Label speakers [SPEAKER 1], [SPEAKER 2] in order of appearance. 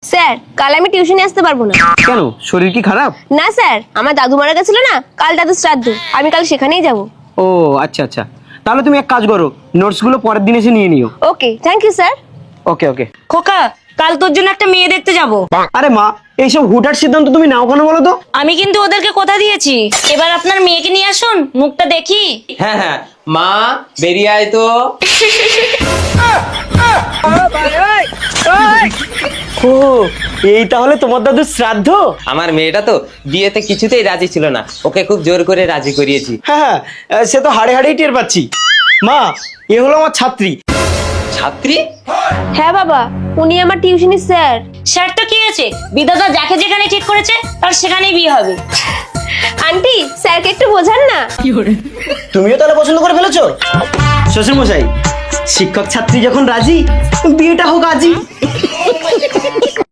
[SPEAKER 1] Sir কাল আমি টিউশনে আসতে পারবো না।
[SPEAKER 2] কেন, শরীর কি খারাপ?
[SPEAKER 1] না স্যার, আমার দাদু মারা গেছিল না, কাল দাদু শ্রাদ্ধ, আমি কাল সেখানেই যাব।
[SPEAKER 2] ও আচ্ছা আচ্ছা, তাহলে তুমি এক কাজ করো, নোটসগুলো পরের দিন এসে নিয়ে নিও।
[SPEAKER 1] Okay, thank you sir.
[SPEAKER 2] Okay okay.
[SPEAKER 3] খোকা, কাল তোর জন্য একটা মেয়ে দেখতে যাব।
[SPEAKER 2] আরে মা, এইসব হুটহাট সিদ্ধান্ত তুমি নাও কেন বলো তো?
[SPEAKER 3] আমি কিন্তু ওদেরকে কথা দিয়েছি, এবার আপনার মেয়েকে নিয়ে আসুন, মুখটা দেখি।
[SPEAKER 4] হ্যাঁ হ্যাঁ, মা বেরিয়ে আয় তো।
[SPEAKER 2] ও, এই তাহলে তোমার দাদুর শ্রাদ্ধ?
[SPEAKER 4] আমার মেয়েটা তো বিয়েতে কিছুতেই রাজি ছিল না, ওকে খুব জোর করে রাজি করিয়েছি।
[SPEAKER 2] হ্যাঁ হ্যাঁ, সে তো হাড়ে হাড়েই টের পাচ্ছি। মা, এ হলো আমার ছাত্রী।
[SPEAKER 4] ছাত্রী?
[SPEAKER 1] হ্যাঁ বাবা, উনি আমার টিউশনি স্যার।
[SPEAKER 3] স্যার তো কি আছে, বিধাতা যাকে যেখানে ঠিক করেছে তার সেখানেই বিয়ে হবে।
[SPEAKER 1] আন্টি, স্যারকে একটু বোঝান না।
[SPEAKER 2] তুমিও তাহলে পছন্দ করে ফেলেছো? শ্বশুর মশাই, শিক্ষক ছাত্রী যখন রাজি, বিয়েটা হোক আজই।